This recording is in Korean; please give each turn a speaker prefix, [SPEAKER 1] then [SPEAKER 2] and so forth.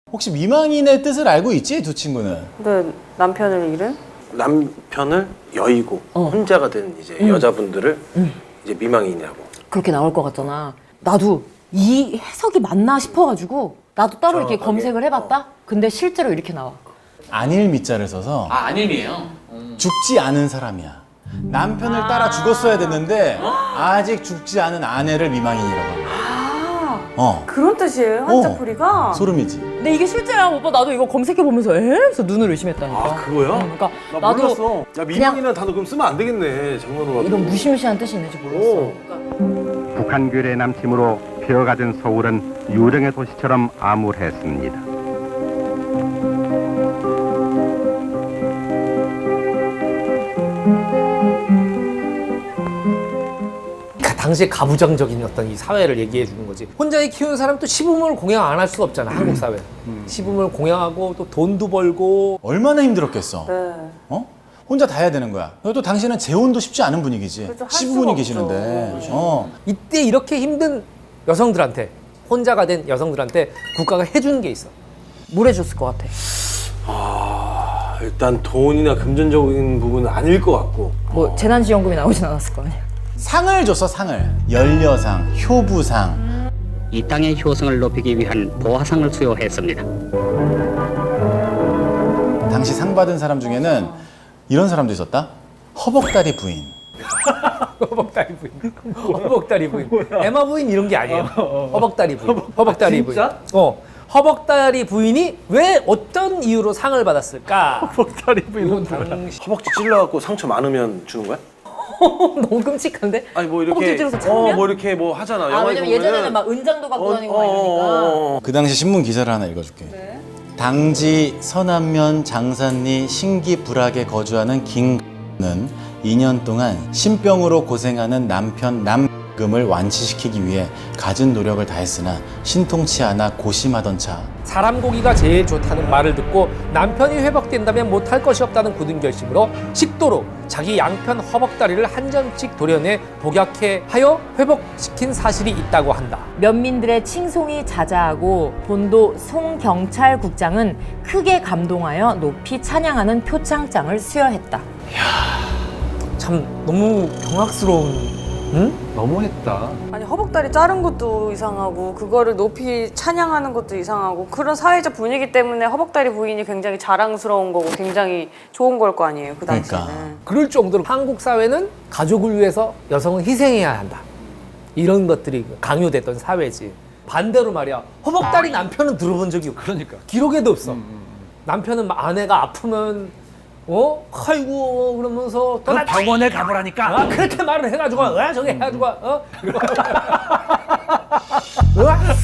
[SPEAKER 1] 혹시 미망인의 뜻을 알고 있지? 두 친구는?
[SPEAKER 2] 근데 남편을 잃은?
[SPEAKER 3] 남편을 여의고 혼자가 된 이제 여자분들을 이제 미망인이라고.
[SPEAKER 4] 그렇게 나올 것 같잖아. 나도 이 해석이 맞나 싶어가지고 나도 따로 이렇게 검색을 해봤다? 근데 실제로 이렇게 나와.
[SPEAKER 1] 안일 미자를 써서
[SPEAKER 5] 안일미예요.
[SPEAKER 1] 죽지 않은 사람이야. 남편을 따라 죽었어야 됐는데 아직 죽지 않은 아내를 미망인이라고 합니다.
[SPEAKER 2] 그런 뜻이에요, 한자풀이가?
[SPEAKER 1] 소름이지.
[SPEAKER 4] 근데 이게 실제야, 오빠. 나도 이거 검색해보면서 그래서 눈을 의심했다니까.
[SPEAKER 3] 아 그거야?
[SPEAKER 4] 그러니까
[SPEAKER 3] 나
[SPEAKER 4] 나도
[SPEAKER 3] 몰랐어. 야 미망이라는 단어 그럼 쓰면 안 되겠네. 장난으로.
[SPEAKER 4] 이런 무시무시한 뜻이 있는지 몰랐어.
[SPEAKER 6] 북한귤의 남침으로 피어가던 서울은 유령의 도시처럼 암울했습니다.
[SPEAKER 5] 당시에 가부장적인 어떤 이 사회를 얘기해 주는 거지. 혼자 키우는 사람도 시부모를 공양 안 할 수가 없잖아, 한국 사회. 시부모를 공양하고 또 돈도 벌고.
[SPEAKER 1] 얼마나 힘들었겠어.
[SPEAKER 2] 네.
[SPEAKER 1] 혼자 다 해야 되는 거야. 그리고 또 당신은 재혼도 쉽지 않은 분위기지.
[SPEAKER 2] 그렇죠, 할
[SPEAKER 1] 시부모님
[SPEAKER 2] 수가 없죠.
[SPEAKER 1] 계시는데.
[SPEAKER 5] 이때 이렇게 힘든 여성들한테, 혼자가 된 여성들한테 국가가 해주는 게 있어.
[SPEAKER 4] 뭘 해줬을 것 같아?
[SPEAKER 3] 일단 돈이나 금전적인 부분은 아닐 것 같고.
[SPEAKER 4] 뭐 재난지원금이 나오진 않았을 거 아니야.
[SPEAKER 1] 상을 줬어, 상을. 연려상, 효부상.
[SPEAKER 7] 이 땅의 효성을 높이기 위한 보화상을 수여했습니다.
[SPEAKER 1] 당시 상 받은 사람 중에는 이런 사람도 있었다. 허벅다리 부인.
[SPEAKER 5] 허벅다리 부인. 허벅다리 부인. 에마 부인 이런 게 아니에요. 허벅다리 부인. 허벅다리 부인.
[SPEAKER 3] 진짜?
[SPEAKER 5] 허벅다리 부인이 왜 어떤 이유로 상을 받았을까?
[SPEAKER 3] 허벅다리 부인은
[SPEAKER 5] 당시
[SPEAKER 3] 허벅지 찔러갖고 상처 많으면 주는 거야?
[SPEAKER 4] 너무 끔찍한데?
[SPEAKER 3] 아니 뭐 이렇게
[SPEAKER 4] 허벅지 찔러서 참으면?
[SPEAKER 3] 뭐 이렇게 뭐 하잖아.
[SPEAKER 4] 아,
[SPEAKER 3] 영화에
[SPEAKER 4] 왜냐면
[SPEAKER 3] 보면은.
[SPEAKER 4] 예전에는 막 은장도 갖고 다니고 막 이러니까.
[SPEAKER 1] 그 당시 신문 기사를 하나 읽어줄게. 당지 서남면 장산리 신기불악에 거주하는 김은 2년 동안 신병으로 고생하는 남편 남금을 완치시키기 위해 갖은 노력을 다했으나 신통치 않아 고심하던 차
[SPEAKER 5] 사람 고기가 제일 좋다는 말을 듣고 남편이 회복된다면 못할 것이 없다는 굳은 결심으로 식도로 자기 양편 허벅다리를 한 점씩 도려내 복약해 하여 회복시킨 사실이 있다고 한다.
[SPEAKER 4] 면민들의 칭송이 자자하고 본도 송경찰국장은 크게 감동하여 높이 찬양하는 표창장을 수여했다.
[SPEAKER 5] 참 너무 경악스러운. 응?
[SPEAKER 3] 너무했다.
[SPEAKER 2] 아니 허벅다리 자른 것도 이상하고 그거를 높이 찬양하는 것도 이상하고 그런 사회적 분위기 때문에 허벅다리 부인이 굉장히 자랑스러운 거고 굉장히 좋은 걸 거 아니에요, 그 당시에는.
[SPEAKER 1] 그러니까.
[SPEAKER 5] 그럴 정도로 한국 사회는 가족을 위해서 여성은 희생해야 한다. 이런 것들이 강요됐던 사회지. 반대로 말이야. 허벅다리 남편은 들어본 적이 없고.
[SPEAKER 3] 그러니까.
[SPEAKER 5] 기록에도 없어. 남편은 아내가 아프면 아이고 그러면서 또
[SPEAKER 8] 병원에 가보라니까.
[SPEAKER 5] 그렇게 말을 해가지고 저기 해가지고